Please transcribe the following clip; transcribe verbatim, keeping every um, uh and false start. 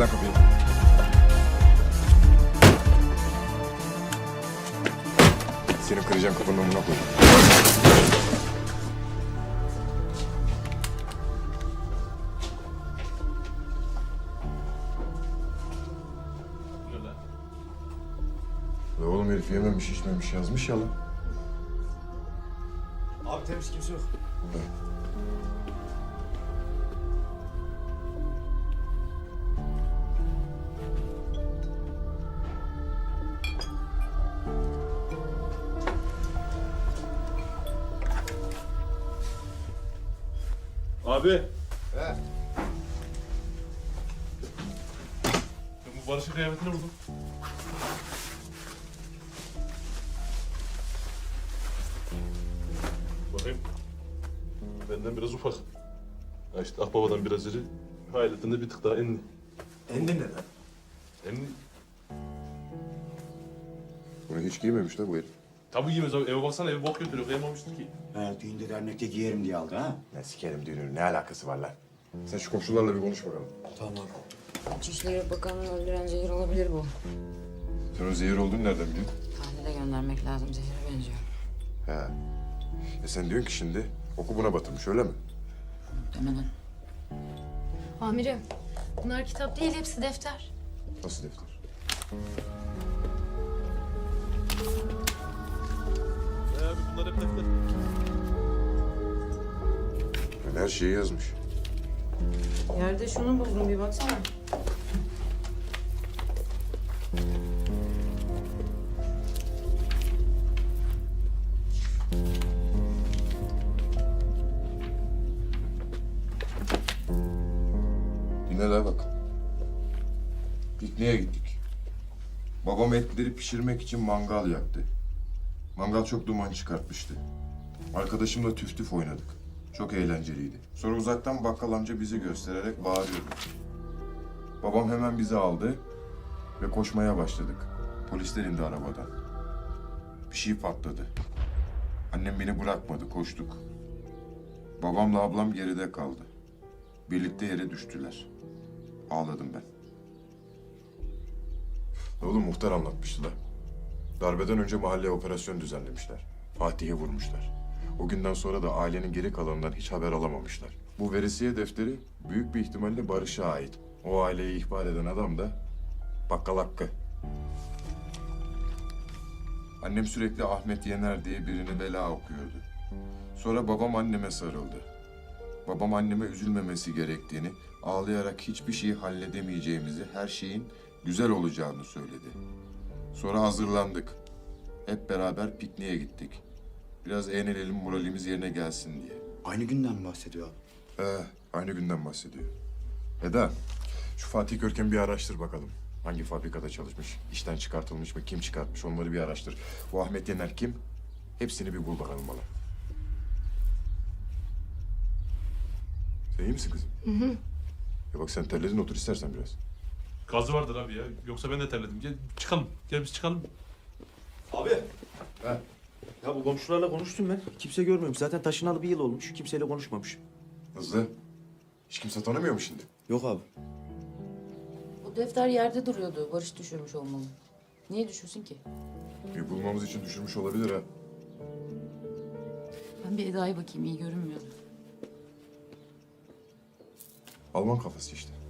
lan kapıyı. Senin kıracağım kapının önüne koy. Ve oğlum herif yememiş içmemiş yazmış ya lan. Abi temiz, kimse yok. Evet. Abi. He. Ben bu Barış'ın kıyafetine vurdum. Bakayım. Benden biraz ufak. Ha işte Akbaba'dan biraz iri. Hayaletin de bir tık daha enli. Endin ne lan? Enli. Bunu hiç giymemiş la bu herif. Tabii giymez abi. Eve baksana, evi bok götürüyor. Kıyamamıştır ki. Ha, düğünde dernekte giyerim diye aldı ha. Ne sikerim düğünün ne alakası var lan? Sen şu komşularla bir konuş bakalım. Tamam. İçişleri Bakanı'nı öldüren zehir olabilir bu. Sen o zehir olduğunu nereden biliyorsun? Tahlile göndermek lazım. Zehire benziyor. He. E sen diyorsun ki şimdi oku buna batırmış öyle mi? Muhtemelen. Amirim, bunlar kitap değil, hepsi defter. Nasıl defter? Ne abi bunlar hep defter. Yani her şeyi yazmış. Yerde şunu buldum, bir baksana. Dinle daha bak. Pikniğe gittik. Babam etleri pişirmek için mangal yaktı. Mangal çok duman çıkartmıştı. Arkadaşımla tüf tüf oynadık. Çok eğlenceliydi. Sonra uzaktan bakkal amca bizi göstererek bağırıyordu. Babam hemen bizi aldı ve koşmaya başladık. Polisler indi arabadan. Bir şey patladı. Annem beni bırakmadı, koştuk. Babamla ablam geride kaldı. Birlikte yere düştüler. Ağladım ben. Oğlum muhtar anlatmıştı da. Darbeden önce mahalleye operasyon düzenlemişler. Fatih'i vurmuşlar. O günden sonra da ailenin geri kalanından hiç haber alamamışlar. Bu verisiye defteri büyük bir ihtimalle Barış'a ait. O aileyi ihbar eden adam da Bakkal Hakkı. Annem sürekli Ahmet Yener diye birini bela okuyordu. Sonra babam anneme sarıldı. Babam anneme üzülmemesi gerektiğini, ağlayarak hiçbir şeyi halledemeyeceğimizi, her şeyin güzel olacağını söyledi. Sonra hazırlandık. Hep beraber pikniğe gittik. Biraz eğlenelim, moralimiz yerine gelsin diye. Aynı günden mi bahsediyor abi? Ee, aynı günden bahsediyor. Eda, şu Fatih Görkem'i bir araştır bakalım. Hangi fabrikada çalışmış, işten çıkartılmış mı, kim çıkartmış onları bir araştır. Bu Ahmet Yener kim? Hepsini bir bul bakalım bana. Sen iyi misin kızım? Hı hı. Ya bak sen terledin, otur istersen biraz. Gazı vardır abi ya. Yoksa ben de terledim. Gel çıkalım. Gel biz çıkalım. Abi. He. Ya bu komşularla konuştum ben. Kimse görmüyormuş. Zaten taşınalı bir yıl olmuş. Kimseyle konuşmamış. Hızlı. Hiç kimse tanımıyor mu şimdi? Yok abi. Bu defter yerde duruyordu. Barış düşürmüş olmalı. Niye düşürsün ki? Bir bulmamız için düşürmüş olabilir ha. Ben bir Eda'ya bakayım, iyi görünmüyordu. Alman kafası işte.